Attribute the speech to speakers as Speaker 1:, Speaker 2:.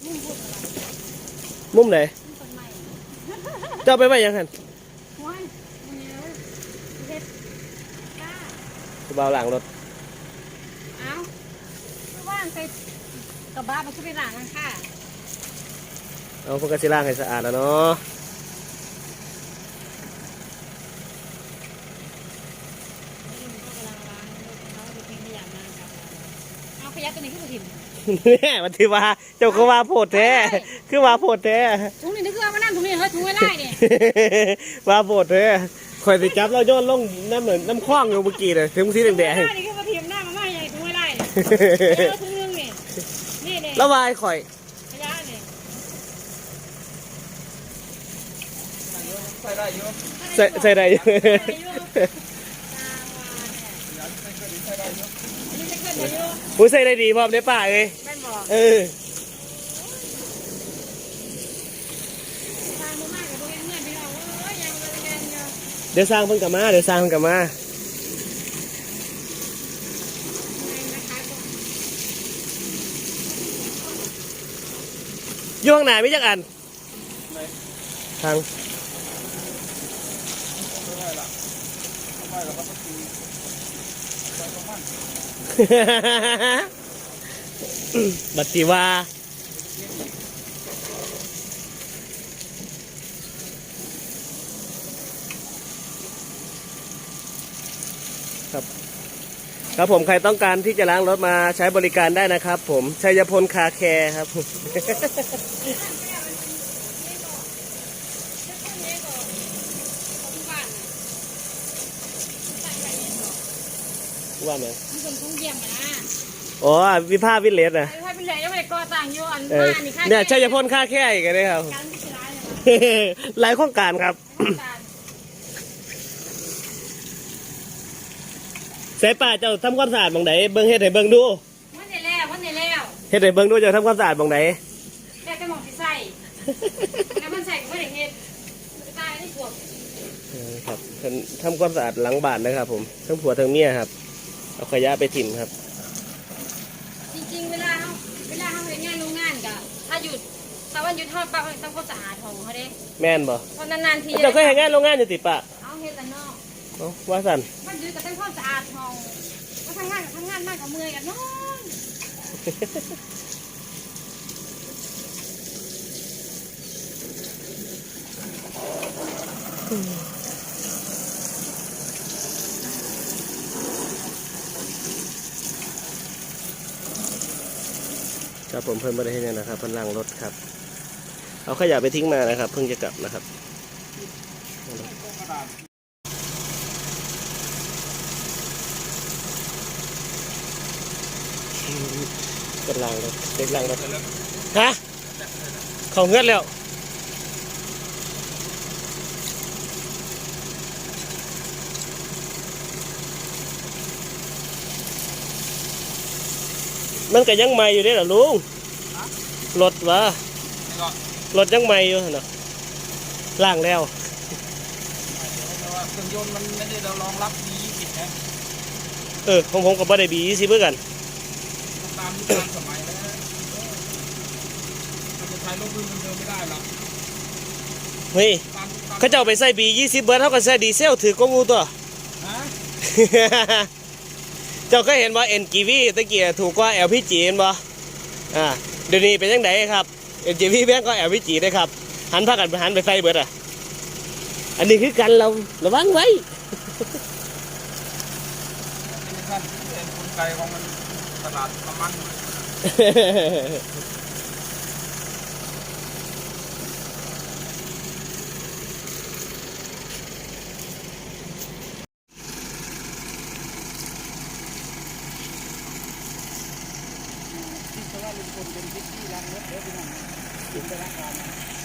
Speaker 1: มุมไหนเจ้าไปไว้ยังหันเบาหลังรถ
Speaker 2: เอาว่างใส่กระบะมาขึ้นไปหลังกันค่ะ
Speaker 1: เอาพวกกระสิล่างให้สะอาดแล้วเนาะ
Speaker 2: เอาขยะตัวนี้ขึ้นมาถิ่น
Speaker 1: เนี่ยมันถือว่าเจ้าก็ว่าโพดแท้คือว่าโพดแท้
Speaker 2: ถุงนี่นึกว่ามานั่งถุงนี่เฮ้ยถุงไม่ได้เนี่ย
Speaker 1: ว่าโพดแท้คอยสิจับเราโยนลงน้ำเหมือนน้ำคว้างอยู่เมื่อกี้เลยถึงสีแดง
Speaker 2: นี่ขึ้นมาถิ่นหน้ามาไม่ใหญ่ถุงไม่ได้เนี่ยถุงนึงนี่นี่เนี่ย
Speaker 1: แล้ววายข่อย
Speaker 2: ขยะเนี่ย
Speaker 1: ใส่ได้อยู่ผู้ใส่ได้ดีพร้อมได้ป่าเลยเดี๋ยวสร้างเพิ่งกลับมาย่วงไหนไม่จักอันทางบัตติวาครับผมใครต้องการที่จะล้างรถมาใช้บริการได้นะครับผมชัยพลคาแคร์ครับว่าไหม
Speaker 2: มีคนทุ่งเยี่ยมนะ
Speaker 1: อ๋อวิภาวิเลสนะ
Speaker 2: วิภาวิเลสยังไม่ได้ก่อตั้งอยู่อันบ้านนี่ค่ะ
Speaker 1: เนี่ยชัยพลคาแคร์อีกเลยครับหลายโครงการครับเสป่าเจ้าทำความสะอาดบางไหนเบิ้งเฮ็ดให้เบิ้งดู
Speaker 2: วันนี้แล้ว
Speaker 1: เฮ็ดให้เบิ้งดูเจ้าทำความสะอาดบางไหน
Speaker 2: แต่ก็มองที่ใส่แล้วมันใส่ก็ไม่ได้เฮ็ดตายได้ปวด
Speaker 1: ครับทำความสะอาดหลังบ้านนะครับผมทั้งผัวทั้งเมียครับเอาขยะไปถิ่มครับ
Speaker 2: จริงๆเวลาเขาเฮ็ดงานโรงงานก็ถ้าวันหยุดทอดปลาเขาต้องความสะอาดของเขาเด้
Speaker 1: แม่นบ่
Speaker 2: เพราะนานๆที
Speaker 1: เจ้าเคยเฮ็ดงานโรงงานอยู่ติปะ
Speaker 2: เอาเฮ็ดแต่นอก
Speaker 1: ว่าสั่น
Speaker 2: มันอยู่กับความสะอาดของก็ทำงานมากกับเมื่อยกันนอน
Speaker 1: ครับผมเพิ่มมาได้ให้เนี่ยนะครับเพิ่นล้างรถครับเอาขยะไปทิ้งมานะครับเพิ่งจะกลับนะครับก็ล้างรถเด็กล้างรถฮะเขาเงือดแล้วมันก็ยังใหม่อยู่ได้หรอลุงรถวะรถยังใหม่อยู่นะล่างแล้ว
Speaker 3: เครื่องยนต์มันไม่ได้รองรับB20นะ
Speaker 1: ผมกับบ่ได้B20เพื่อกัน
Speaker 3: ตามยุคสมัยแล้วมันจะใช้รถรุ่นเดิมไม่ได้หรอก
Speaker 1: เฮ้ยเขาจะเอาไปใส่B20เบิร์ดเท่ากับใส่ดีเซลถือกงูตัวเจ้าเคยเห็นว่า NGV ตะเกียถูกกว่า LPG เห็นบ่เดี๋ยวนี้เป็นยังไงครับ NGV แพงกว่า LPG ได้ครับหันไปใส่เบิดอันนี้คือกันเราระวังไว้
Speaker 3: ท่านเป็นกลไกของมันตลาดน้ำมันว่าลุงพลเป็นพิธีล้างรถเดี๋ยวพี่น้องกินไปล้างก่อน